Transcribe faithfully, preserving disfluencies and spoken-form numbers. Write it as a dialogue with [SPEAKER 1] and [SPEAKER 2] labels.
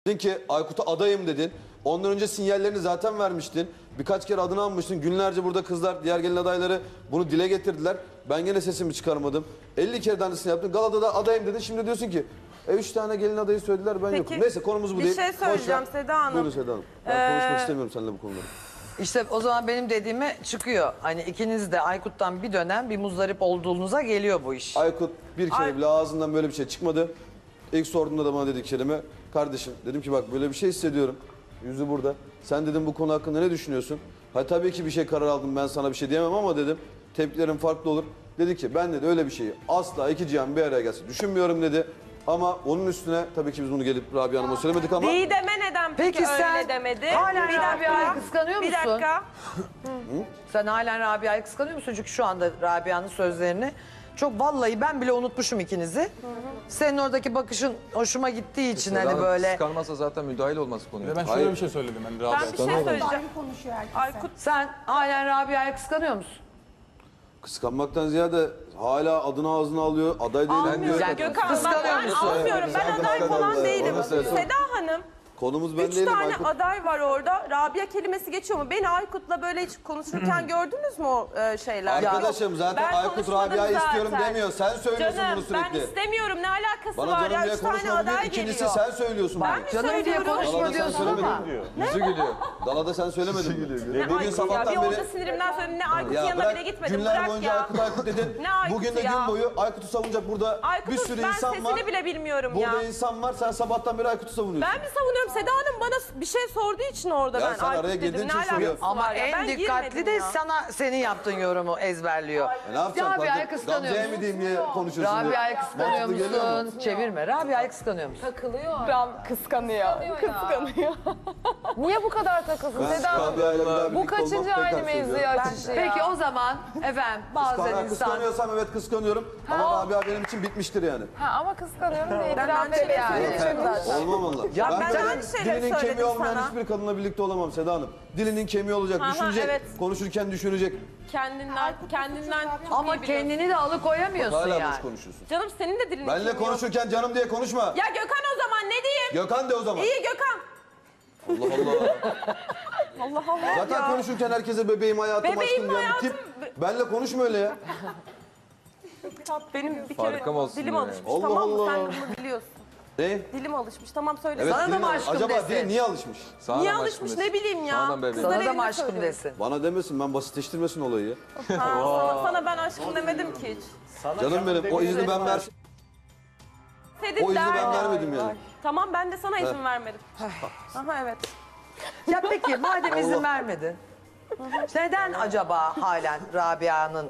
[SPEAKER 1] Dedin ki Aykut'a adayım dedin. Ondan önce sinyallerini zaten vermiştin. Birkaç kere adını anmıştın. Günlerce burada kızlar, diğer gelin adayları bunu dile getirdiler. Ben gene sesimi çıkarmadım. elli kere aynısını yaptın. Galada da adayım dedin. Şimdi diyorsun ki e, üç tane gelin adayı söylediler ben
[SPEAKER 2] Peki,
[SPEAKER 1] yokum. Neyse konumuz bu
[SPEAKER 2] bir
[SPEAKER 1] değil.
[SPEAKER 2] şey
[SPEAKER 1] Boş ver.
[SPEAKER 2] söyleyeceğim Seda Hanım.
[SPEAKER 1] Buyurun Seda Hanım. Ben
[SPEAKER 2] Ee,
[SPEAKER 1] konuşmak istemiyorum seninle bu konuları.
[SPEAKER 3] İşte o zaman benim dediğime çıkıyor. Hani ikiniz de Aykut'tan bir dönem bir muzdarip olduğunuza geliyor bu iş.
[SPEAKER 1] Aykut bir kere
[SPEAKER 2] Ay-
[SPEAKER 1] bile ağzından böyle bir şey çıkmadı. İlk sorduğunda da bana dedi kelime. Kardeşim dedim ki bak böyle bir şey hissediyorum. Yüzü burada. Sen dedim bu konu hakkında ne düşünüyorsun? Ha tabii ki bir şey karar aldım ben sana bir şey diyemem ama dedim tepkilerim farklı olur. Dedi ki ben dedi öyle bir şeyi asla iki cihan bir araya gelsin düşünmüyorum dedi. Ama onun üstüne tabii ki biz bunu gelip Rabia Hanım'a söylemedik ama
[SPEAKER 2] Didem'e neden peki,
[SPEAKER 3] Peki sen
[SPEAKER 2] öyle demedi?
[SPEAKER 3] hala
[SPEAKER 2] Bir dakika.
[SPEAKER 3] Rabia'yı kıskanıyor
[SPEAKER 2] Bir
[SPEAKER 3] musun?
[SPEAKER 2] dakika.
[SPEAKER 3] Sen halen Rabia'yı kıskanıyor musun? Çünkü şu anda Rabia'nın sözlerini çok vallahi ben bile unutmuşum ikinizi. Senin oradaki bakışın hoşuma gittiği için hani böyle.
[SPEAKER 4] Kıskanmazsa zaten müdahil olmaz konuya.
[SPEAKER 5] Ve ben şöyle
[SPEAKER 1] Hayır.
[SPEAKER 5] bir şey söyledim. Yani
[SPEAKER 2] Ben
[SPEAKER 5] Rabia.
[SPEAKER 2] bir şey söyleyeceğim.
[SPEAKER 6] konuşuyor herkese.
[SPEAKER 2] Aykut
[SPEAKER 3] Sen halen Rabia'yı kıskanıyor musun?
[SPEAKER 1] kıskanmaktan ziyade hala adını ağzına alıyor. Aday değilim diyor.
[SPEAKER 2] almıyorum.
[SPEAKER 3] Yani
[SPEAKER 2] Gökhan
[SPEAKER 3] kıskanıyor
[SPEAKER 2] ben, ben
[SPEAKER 3] musun?
[SPEAKER 2] almıyorum. Ben
[SPEAKER 1] Sen
[SPEAKER 2] aday falan
[SPEAKER 1] kıskanıyorsun.
[SPEAKER 2] değilim.
[SPEAKER 1] Onu söyle.
[SPEAKER 2] Seda Hanım.
[SPEAKER 1] Konumuz ben
[SPEAKER 2] Üç
[SPEAKER 1] değilim
[SPEAKER 2] tane
[SPEAKER 1] Aykut.
[SPEAKER 2] aday var orada. Rabia kelimesi geçiyor mu? Beni Aykut'la böyle hiç konuşurken gördünüz mü o e, şeyler?
[SPEAKER 1] Arkadaşım
[SPEAKER 2] Yok.
[SPEAKER 1] zaten
[SPEAKER 2] Ben
[SPEAKER 1] Aykut
[SPEAKER 2] konuşmadım
[SPEAKER 1] Rabia'yı istiyorum
[SPEAKER 2] zaten.
[SPEAKER 1] demiyor. Sen söylüyorsun
[SPEAKER 2] Canım,
[SPEAKER 1] bunu sürekli.
[SPEAKER 2] ben istemiyorum. Ne alakası
[SPEAKER 1] Bana
[SPEAKER 2] var
[SPEAKER 1] canım
[SPEAKER 2] ya?
[SPEAKER 1] diye
[SPEAKER 2] Üç tane
[SPEAKER 1] konuşma diyor.
[SPEAKER 2] aday
[SPEAKER 1] İkincisi
[SPEAKER 2] geliyor.
[SPEAKER 1] sen söylüyorsun
[SPEAKER 2] Ben
[SPEAKER 1] bunu.
[SPEAKER 2] mi
[SPEAKER 3] Canım diye
[SPEAKER 2] söylüyorum?
[SPEAKER 3] konuşma
[SPEAKER 1] Dalada sen
[SPEAKER 3] diyorsun
[SPEAKER 1] söylemedin
[SPEAKER 3] ama.
[SPEAKER 1] mi?
[SPEAKER 4] Yüzü gülüyor.
[SPEAKER 1] Dalada sen söylemedin mi?
[SPEAKER 2] Ne
[SPEAKER 1] Bugün
[SPEAKER 2] Aykut ya?
[SPEAKER 1] sabahtan
[SPEAKER 2] Bir orada
[SPEAKER 1] beri...
[SPEAKER 2] sinirimden söyledim. Ne Aykut'un
[SPEAKER 1] Ya
[SPEAKER 2] yanına
[SPEAKER 1] bırak
[SPEAKER 2] bile gitmedim.
[SPEAKER 1] günler
[SPEAKER 2] Bırak
[SPEAKER 1] boyunca
[SPEAKER 2] ya.
[SPEAKER 1] Aykut Aykut dedin.
[SPEAKER 2] Ne Aykut'u
[SPEAKER 1] Bugün de
[SPEAKER 2] ya?
[SPEAKER 1] gün boyu Aykut'u savunacak burada
[SPEAKER 2] Aykut'un
[SPEAKER 1] bir sürü
[SPEAKER 2] ben
[SPEAKER 1] insan
[SPEAKER 2] sesini
[SPEAKER 1] var.
[SPEAKER 2] bile bilmiyorum
[SPEAKER 1] Burada
[SPEAKER 2] ya.
[SPEAKER 1] insan var sen sabahtan beri Aykut'u savunuyorsun.
[SPEAKER 2] Ben mi savunuyorum? Seda Hanım bana bir şey sorduğu için orada
[SPEAKER 1] Ya
[SPEAKER 2] ben
[SPEAKER 1] sen
[SPEAKER 2] Aykut
[SPEAKER 1] araya
[SPEAKER 2] dedim.
[SPEAKER 1] girdiğin
[SPEAKER 2] Ne
[SPEAKER 1] için soruyor.
[SPEAKER 2] alakası
[SPEAKER 3] Ama
[SPEAKER 2] var ya?
[SPEAKER 3] en
[SPEAKER 2] Ben
[SPEAKER 3] dikkatli
[SPEAKER 2] girmedim
[SPEAKER 3] de
[SPEAKER 2] ya.
[SPEAKER 3] sana senin yaptığın yorumu ezberliyor.
[SPEAKER 1] E ne yapacağım?
[SPEAKER 3] Rabia'yı
[SPEAKER 1] Kadın-
[SPEAKER 3] kıskanıyor
[SPEAKER 1] Gamze'ye mi
[SPEAKER 3] musun?
[SPEAKER 1] diyeyim diye konuşuyorsun diye.
[SPEAKER 3] Rabia'yı kıskanıyor
[SPEAKER 1] Mantıklı geliyor mu?
[SPEAKER 3] musun? Çevirme. Rabia'yı kıskanıyor musun?
[SPEAKER 6] Ram kıskanıyor. Kıskanıyor.
[SPEAKER 7] Niye bu kadar takılsın
[SPEAKER 1] Ben
[SPEAKER 7] Seda Hanım?
[SPEAKER 1] Rabia'yla bir daha
[SPEAKER 7] Bu
[SPEAKER 1] birlikte
[SPEAKER 7] kaçıncı
[SPEAKER 1] olmak
[SPEAKER 7] aynı
[SPEAKER 1] tekrar
[SPEAKER 7] mevzuyu
[SPEAKER 1] söylüyorum.
[SPEAKER 7] açışı ya?
[SPEAKER 3] Peki o zaman efendim bazen
[SPEAKER 1] Kıskan-
[SPEAKER 3] insan...
[SPEAKER 1] Kıskanıyorsam evet kıskanıyorum. Ama Rabia benim için bitmiştir yani.
[SPEAKER 7] Ha, ama kıskanıyorum diye
[SPEAKER 2] Ben
[SPEAKER 7] itiraf
[SPEAKER 2] aynı
[SPEAKER 7] et
[SPEAKER 2] şeyleri
[SPEAKER 7] yani.
[SPEAKER 2] söylüyorum zaten.
[SPEAKER 1] Olmam valla.
[SPEAKER 3] Ya
[SPEAKER 1] ben
[SPEAKER 2] ben
[SPEAKER 1] böyle
[SPEAKER 2] aynı şeyleri
[SPEAKER 1] dilinin kemiği
[SPEAKER 2] söyledim
[SPEAKER 1] olmayan
[SPEAKER 2] sana.
[SPEAKER 1] hiçbir kadınla birlikte olamam Seda Hanım. Dilinin kemiği olacak,
[SPEAKER 2] Aha,
[SPEAKER 1] düşünecek,
[SPEAKER 2] evet.
[SPEAKER 1] konuşurken düşünecek.
[SPEAKER 2] Kendinden, kendinden çok
[SPEAKER 3] Ama
[SPEAKER 2] iyi biliyorsun.
[SPEAKER 3] kendini de alıkoyamıyorsun
[SPEAKER 1] Hala
[SPEAKER 3] yani.
[SPEAKER 1] boş konuşuyorsun.
[SPEAKER 2] Canım senin de dilin
[SPEAKER 1] Benle
[SPEAKER 2] kemiği yok.
[SPEAKER 1] konuşurken canım diye konuşma.
[SPEAKER 2] Ya Gökhan o zaman ne diyeyim?
[SPEAKER 1] Gökhan de o zaman.
[SPEAKER 2] İyi Gökhan.
[SPEAKER 1] Allah Allah.
[SPEAKER 2] Allah Allah
[SPEAKER 1] Zaten
[SPEAKER 2] ya.
[SPEAKER 1] konuşurken herkese bebeğim hayatım
[SPEAKER 2] Bebeğim,
[SPEAKER 1] aşkım diyen bir
[SPEAKER 2] hayatım.
[SPEAKER 1] tip. Benle konuşma öyle ya.
[SPEAKER 2] Benim bir
[SPEAKER 4] Farkım
[SPEAKER 2] kere
[SPEAKER 4] olsun
[SPEAKER 2] dilim
[SPEAKER 4] yani.
[SPEAKER 2] alışmış
[SPEAKER 1] Allah
[SPEAKER 2] tamam mı?
[SPEAKER 1] Allah.
[SPEAKER 2] Sen bunu biliyorsun.
[SPEAKER 1] Ne?
[SPEAKER 2] Dilim alışmış tamam söyle.
[SPEAKER 1] Evet,
[SPEAKER 3] Sana da
[SPEAKER 1] dilin-
[SPEAKER 3] mı aşkım
[SPEAKER 1] acaba
[SPEAKER 3] desin?
[SPEAKER 1] dili niye alışmış?
[SPEAKER 4] Sana
[SPEAKER 2] Niye
[SPEAKER 4] da mı
[SPEAKER 2] alışmış
[SPEAKER 4] aşkım
[SPEAKER 2] ne bileyim ya.
[SPEAKER 4] Sana da bebeğim.
[SPEAKER 2] Kızlar
[SPEAKER 3] Sana da
[SPEAKER 2] evinde
[SPEAKER 3] mı aşkım
[SPEAKER 2] söylüyor.
[SPEAKER 3] desin?
[SPEAKER 1] Bana demesin ben basitleştirmesin olayı ya.
[SPEAKER 2] Ha, sana, sana ben aşkım demedim ki hiç.
[SPEAKER 1] Canım benim o izni ben ver.
[SPEAKER 2] Sedin
[SPEAKER 1] O izni ben
[SPEAKER 2] derdi.
[SPEAKER 1] vermedim yani.
[SPEAKER 2] Tamam ben de sana izin vermedim. Aha evet.
[SPEAKER 3] Ya peki madem izin vermedin. Neden acaba halen Rabia'nın